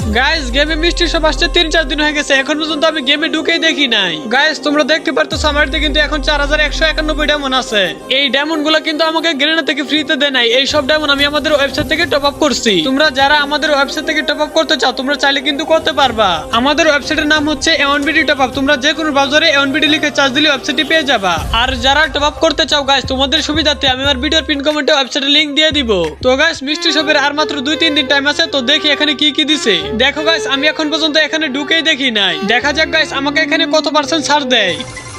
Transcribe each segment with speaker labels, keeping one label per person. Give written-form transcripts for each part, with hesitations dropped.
Speaker 1: Guys গেমে মিষ্টি সব আসছে 3-4 দিন হয়ে গেছে, এখন পর্যন্ত আমি গেমে ঢুকেই দেখি নাই। গাইস তোমরা দেখতে পারতেছো আমারতে কিন্তু এখন 4191 ডায়মন্ড আছে। এই ডায়মন্ড গুলো কিন্তু আমাকে গ্রেনা থেকে ফ্রিতে দেয় নাই, এই সব ডায়মন্ড আমি আমাদের ওয়েবসাইট থেকে টপ আপ করছি। তোমরা যারা আমাদের ওয়েবসাইট থেকে টপ আপ করতে চাও তোমরা চাইলে কিন্তু করতে পারবা। আমাদের ওয়েবসাইটের নাম হচ্ছে A1BD টপ আপ। তোমরা যে কোনো ব্রাউজারে A1BD লিখে সার্চ দিলে ওয়েবসাইটে পেয়ে যাবা। আর যারা টপ আপ করতে চাও গাইস তোমাদের সুবিধার্থে আমি আমার ভিডিওর পিন কমেন্টে ওয়েবসাইটের লিংক দিয়ে দিব। তো গাইস মিষ্টি শপের আর মাত্র 2-3 দিন টাইম আছে, তো দেখি এখানে কি কি দিছে। দেখো গাইস আমি এখন পর্যন্ত এখানে ঢুকেই দেখি নাই, দেখা যাক গাইস আমাকে এখানে কত পার্সেন্ট ছাড় দেয়।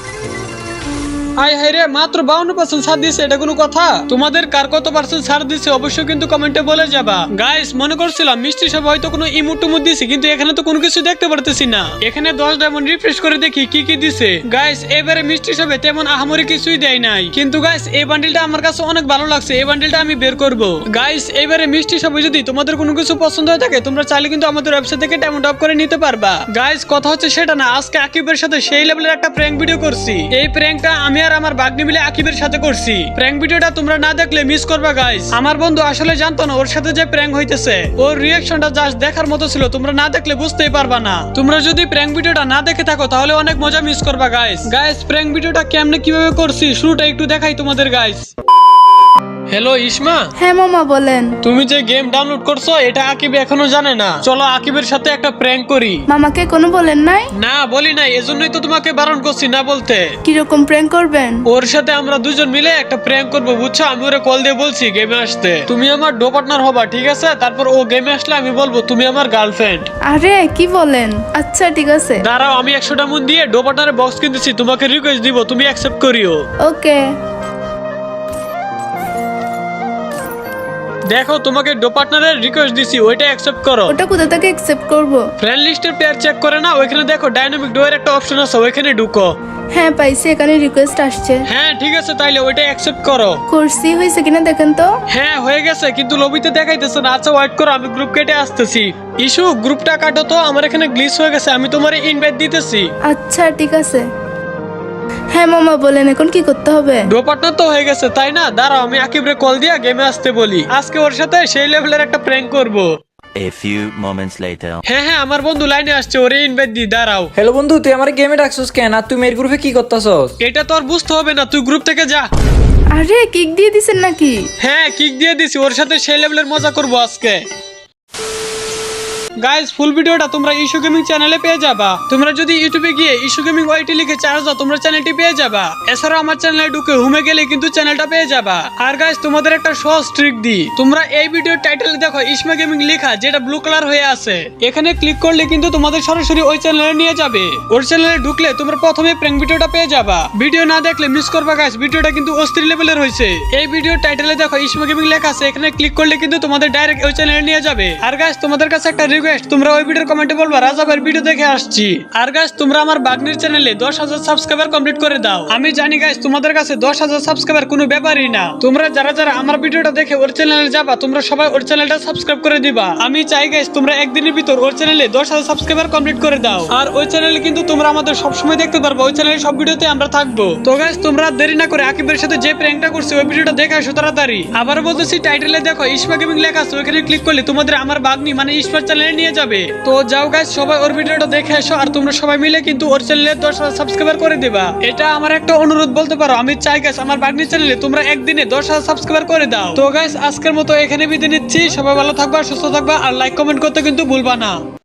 Speaker 1: হাই রে মাত্র 52% ছাড় দিছে, এটা কোনো কথা? তোমাদের কার কত পার্সেন্ট ছাড় দিছে অবশ্যই কিন্তু কমেন্টে বলে যাবা। গাইস মনে করছিলাম মিষ্টি সব হয়তো কোনো ইমোট টুমোট দিছে, কিন্তু এখানে তো কোনো কিছু দেখতে পারতেছি না। এখানে 10 ডায়মন্ড রিফ্রেশ করে দেখি কি কি দিছে। গাইস এবারে মিষ্টি সবে তেমন আহামরি কিছুই দেয় নাই, কিন্তু গাইস এই বান্ডেলটা আমার কাছে অনেক ভালো লাগছে, এই বান্ডেলটা আমি বের করব। গাইস এবারে মিষ্টি সবে যদি তোমাদের কোনো কিছু পছন্দ হয়ে থাকে তোমরা চাইলে কিন্তু আমাদের ওয়েবসাইট থেকে ডায়মন্ড অফ করে নিতে পারবা। গাইস কথা হচ্ছে সেটা না, আজকে আকিবের সাথে সেই লেভেলের একটা প্র্যাঙ্ক ভিডিও করছি। এই প্র্যাঙ্কটা আমি আর আমার ভাগ্নি মিলে আকিবের সাথে করছি। প্র্যাঙ্ক ভিডিওটা তোমরা না দেখলে মিস করবা গাইস। আমার বন্ধু আসলে জানতো না ওর সাথে যে প্র্যাঙ্ক হইতেছে, ওর রিঅ্যাকশনটা জাস্ট দেখার মতো ছিল, তোমরা না দেখলে বুঝতেই পারবা না। তোমরা যদি প্র্যাঙ্ক ভিডিওটা না দেখে থাকো তাহলে অনেক মজা মিস করবা গাইস। গাইস প্র্যাঙ্ক ভিডিওটা কেমনে কিভাবে করছি শুরুটা একটু দেখাই তোমাদের গাইস। হ্যালো ইসমা।
Speaker 2: হ্যাঁ মামা বলেন।
Speaker 1: তুমি যে গেম ডাউনলোড করছো এটা আকিব এখনো জানে না, চলো আকিবের সাথে একটা প্র্যাঙ্ক করি।
Speaker 2: মামাকে কোনো বলেন নাই?
Speaker 1: না বলি নাই, এজন্যই তো তোমাকে বারণ করছি না বলতে।
Speaker 2: কিরকম প্র্যাঙ্ক করবেন?
Speaker 1: ওর সাথে আমরা দুজন মিলে একটা প্র্যাঙ্ক করবো বুঝছো। আমি ওরে কল দিয়ে বলছি গেমে আসতে, তুমি আমার ডো পার্টনার হবা ঠিক আছে? তারপর ও গেমে আসলে আমি বলবো তুমি আমার গার্লফ্রেন্ড।
Speaker 2: আরে কি বলেন? আচ্ছা ঠিক আছে।
Speaker 1: দাঁড়াও আমি 100টা মন দিয়ে ডো পার্টনারের বক্স কিনতেছি, তোমাকে রিকোয়েস্ট দিব, তুমি অ্যাকসেপ্ট করিও।
Speaker 2: ওকে।
Speaker 1: দেখো তোমাকে ডো পার্টনারের রিকোয়েস্ট দিছি, ওইটা অ্যাকসেপ্ট করো।
Speaker 2: ওটা কোথা থেকে অ্যাকসেপ্ট করব?
Speaker 1: ফ্রেন্ড লিস্টের পেয়ার চেক করে না, ওইখানে দেখো ডাইনামিক ডো এর একটা অপশন আছে, ওইখানে ঢুকো।
Speaker 2: হ্যাঁ পাইছি, এখানে রিকোয়েস্ট আসছে।
Speaker 1: হ্যাঁ ঠিক আছে তাইলে ওইটা অ্যাকসেপ্ট করো।
Speaker 2: করছি, হয়েছে কিনা দেখেন তো।
Speaker 1: হ্যাঁ হয়ে গেছে, কিন্তু লবিতে দেখাইতেছে না। আচ্ছা ওয়েট করো, আমি গ্রুপ কেটে আসতেছি। ইস্যু গ্রুপটা কাটো তো, আমার এখানে গ্লিচ হয়ে গেছে, আমি তোমারে ইনভাইট দিতেছি।
Speaker 2: আচ্ছা ঠিক আছে। হ্যাঁ মামা বলেন এখন কি করতে হবে?
Speaker 1: ডো পার্টনার তো হয়ে গেছে তাই না? দাঁড়াও আমি আকিবরে কল দিয়া গেমে আসতে বলি, আজকে ওর সাথে সেই লেভেলের একটা প্র্যাঙ্ক করব।
Speaker 3: A few moments later.
Speaker 1: হ্যাঁ আমার বন্ধু লাইনে আসছে, ওরে ইনভাইট দি। দাঁড়াও।
Speaker 4: হ্যালো বন্ধু, তুই আমার গেমে ডাকছস কেন? আর তুই মেয়ের গ্রুপে কি করতেছস?
Speaker 1: এটা তো আর বুঝতে হবে না, তুই গ্রুপ থেকে যা।
Speaker 2: আরে কিক দিয়ে দিছেন নাকি?
Speaker 1: হ্যাঁ কিক দিয়ে দিছি, ওর সাথে সেই লেভেলের মজা করব আজকে। গাইস ফুল ভিডিওটা তোমরা ইস্যু গেমিং চ্যানেলে পেয়ে যাবা। তোমরা যদি ইউটিউবে গিয়ে ইস্যু গেমিং ওয়াইটি লিখে চার্জ দাও তোমরা চ্যানেলটি পেয়ে যাবা। এছাড়াও আমার চ্যানেলে ঢুকে হোমে গেলে কিন্তু চ্যানেলটা পেয়ে যাবা। আর গাইস তোমাদের একটা সহজ ট্রিক দি, তোমরা এই ভিডিওর টাইটেলে দেখো ইসমা গেমিং লেখা, যেটা ব্লু কালার হয়ে আছে। এখানে ক্লিক করলে কিন্তু তোমাদের সরাসরি ওই চ্যানেলে নিয়ে যাবে। ওর চ্যানেলে ঢুকলে তোমরা প্রথমে প্র্যাঙ্ক ভিডিওটা পেয়ে যাবা। ভিডিও না দেখলে মিস করবা গাইস, ভিডিওটা কিন্তু অস্থির লেভেলের হয়েছে। এই ভিডিওর টাইটেলে দেখো ইসমা গেমিং লেখা আছে, এখানে ক্লিক করলে কিন্তু তোমাদের ডাইরেক্ট ওই চ্যানেলে নিয়ে যাবে। আর গাইস তোমাদের কাছে একটা রিকোয়েস্ট, তোমরা ওই ভিডিওর কমেন্টে বলবা রাজা ভাইয়ের ভিডিও দেখে আসছি। আর গাইস তোমরা আমার বাগনির চ্যানেলে 10,000 সাবস্ক্রাইবার কমপ্লিট করে দাও। আমি জানি গাইস তোমাদের কাছে 10,000 সাবস্ক্রাইবার কোনো ব্যাপারই না। তোমরা যারা যারা আমার ভিডিওটা দেখে ওর চ্যানেলে যাবা তোমরা সবাই ওর চ্যানেলটা সাবস্ক্রাইব করে দিবা। আমি চাই গাইস তোমরা একদিনের ভিতর ওর চ্যানেলে 10,000 সাবস্ক্রাইবার কমপ্লিট করে দাও। আর ওই চ্যানেলে কিন্তু তোমরা আমাদের সব সময় দেখতে পারবে, ওই চ্যানেলে সব ভিডিওতে আমরা থাকবো। তো গাইস তোমরা দেরি না করে আকিবের সাথে যে প্র্যাঙ্কটা করছি ওই ভিডিওটা দেখে আসো তাড়াতাড়ি। আবার বলতেছি টাইটেলে দেখো ইসমা গেমিং লেখা আছে, ওখানে ক্লিক করলে তোমাদের আমার বাগনি মানে ইসমার চ্যানেলে নিয়ে যাবে। তো যাও গাইস সবাই ওর ভিডিওটা দেখে এসো, আর তোমরা সবাই মিলে কিন্তু ওর চ্যানেলে 10,000 সাবস্ক্রাইবার করে দিবা। এটা আমার একটা অনুরোধ বলতে পারো। আমি চাই গাইস আমার বাগনি চ্যানেলে তোমরা একদিনে 10,000 সাবস্ক্রাইবার করে দাও। তো গাইস আজকের মতো এখানে বিদায় নিচ্ছি, সবাই ভালো থাকবা, সুস্থ থাকবা, আর লাইক কমেন্ট করতে কিন্তু ভুলবা না।